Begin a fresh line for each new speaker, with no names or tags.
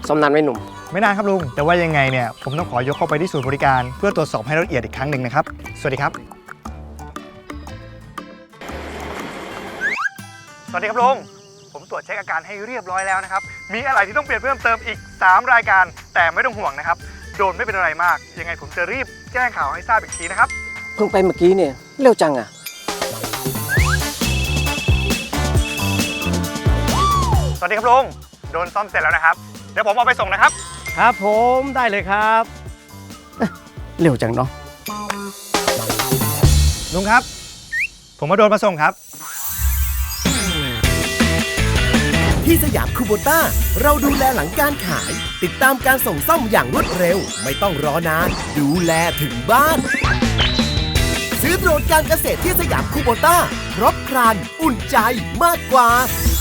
ซ่อมนานไหมหนุ่ม
ไม่นานครับลุงแต่ว่ายังไงเนี่ยผมต้องขอยกเข้าไปที่ศูนย์บริการเพื่อตรวจสอบให้ละเอียดอีกครั้งหนึ่งนะครับสวัสดีครับสวัสดีครับลุงผมตรวจเช็คอาการให้เรียบร้อยแล้วนะครับมีอะไรที่ต้องเปลี่ยนเพิ่มเติมอีก3รายการแต่ไม่ต้องห่วงนะครับโดนไม่เป็นอะไรมากยังไงผมจะรีบแจ้งข่าวให้ทราบอีกทีนะครับ
เพิ่งไปเมื่อกี้เนี่ยเร็วจังอ่ะ
สวัสดีครับลุงโดนซ่อมเสร็จแล้วนะครับเดี๋ยวผมเอาไปส่งนะครับ
ครับผมได้เลยครับ
เร็วจังเนาะ
ลุงครับผมมาโดนมาส่งครับ
ที่สยามคูโบต้าเราดูแลหลังการขายติดตามการส่งซ่อมอย่างรวดเร็วไม่ต้องรอนานดูแลถึงบ้านซื้อโดรนการเกษตรที่สยามคูโบต้าครบครันอุ่นใจมากกว่า